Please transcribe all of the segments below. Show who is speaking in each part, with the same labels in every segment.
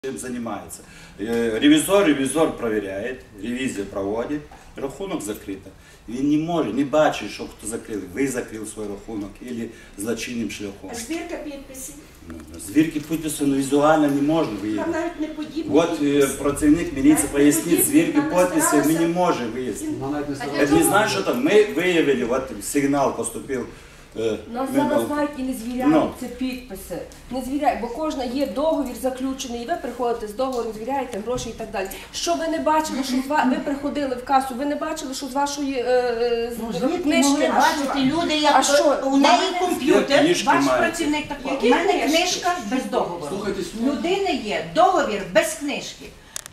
Speaker 1: Чем занимается. Ревізор проверяет, ревізія проводить, рахунок закрито. Він не може, не бачить, що хто закрив. Ви закрив свій рахунок або злочинним шляхом.
Speaker 2: А звірка підписів?
Speaker 1: Звірки підпису візуально не можна
Speaker 2: Там
Speaker 1: виявити.
Speaker 2: навіть не подібні.
Speaker 1: От працівник міліції пояснить, звірки підписи ми не можемо виявити. Це не значить, що там ми виявили, от сигнал поступив.
Speaker 3: Нас зараз навіть і не звіряють ці підписи. Не звіряють, бо кожна є договір заключений, і ви приходите з договором, звіряєте гроші і так далі. Що ви не бачили, що ви приходили в касу, ви не бачили, що з вашої книжки.
Speaker 2: Бачите, люди, як у неї комп'ютер, ваш працівник такий. У мене книжка без договору. У людини є договір без книжки.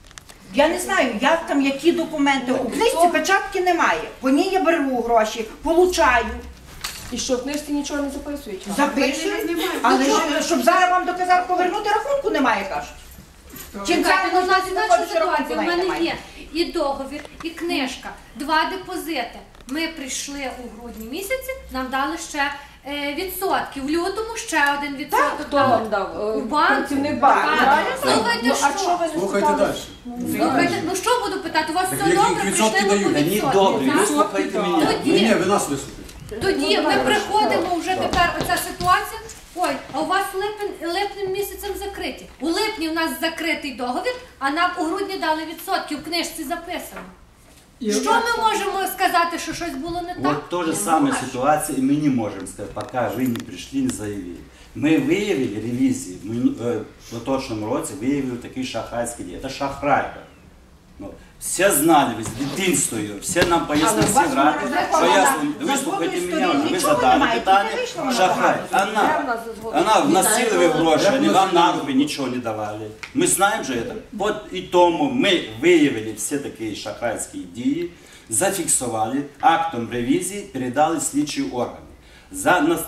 Speaker 2: Я не знаю, як там, які документи. У книжці печатки немає. По ній я беру гроші, получаю.
Speaker 3: І що, в книжці нічого не записують?
Speaker 2: Запишу, але щоб зараз вам доказати повернути, рахунку немає, кажуть. Чим
Speaker 4: Чекайте,
Speaker 2: зараз
Speaker 4: у нас
Speaker 2: можна
Speaker 4: інакша
Speaker 2: знаходити, рахунку
Speaker 4: ситуація. У мене
Speaker 2: немає.
Speaker 4: є і договір, і книжка, 2 депозити. Ми прийшли у грудні місяці, нам дали ще відсотки. В лютому ще один відсоток.
Speaker 3: Хто вам дав?
Speaker 4: У банку.
Speaker 3: Працівник банку.
Speaker 4: Слухайте,
Speaker 3: А що ви не
Speaker 5: Слухайте
Speaker 3: спитали?
Speaker 5: далі.
Speaker 4: Слухайте, ну що буду питати? У вас все
Speaker 5: які
Speaker 4: добре,
Speaker 5: відсотки
Speaker 4: прийшли
Speaker 5: дають?
Speaker 4: по
Speaker 1: Та ні,
Speaker 4: відсотки.
Speaker 1: добре,
Speaker 4: так?
Speaker 1: вислухайте мене.
Speaker 5: Ні, ви нас вислухайте.
Speaker 4: Тоді ми приходимо вже тепер оця ситуація. Ой, а у вас липнем місяцем закриті. У липні у нас закритий договір, а нам у грудні дали відсотки, в книжці записано. Що ми можемо сказати, що щось було не так?
Speaker 1: Вот то же самая ситуация, и мы не можем сказать, пока вы не пришли, не заявили. Мы выявили ревизии, в поточном році выявили такие шахрайские дії. Это шахрайка. Ну, все знали, з дитинства ее, все нам пояснили,
Speaker 2: Але у вас
Speaker 1: грати,
Speaker 2: вона
Speaker 1: пояснили,
Speaker 2: розрахована.
Speaker 1: выслухайте
Speaker 2: За
Speaker 1: меня,
Speaker 2: жодної
Speaker 1: вы
Speaker 2: сторони
Speaker 1: задали
Speaker 2: нічого
Speaker 1: питання,
Speaker 2: немає, тільки
Speaker 1: шахрай.
Speaker 2: вийшла
Speaker 1: Она вносила вы гроши, они вам на руки ничего не давали. Мы знаем же это. Вот и тому мы выявили все такие шахрайские дії, зафіксували, актом ревізії передали слідчі органи. За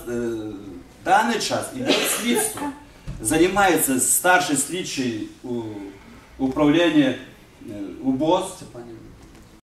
Speaker 1: даний час іде слідство. Займається старший слідчий управління УБОС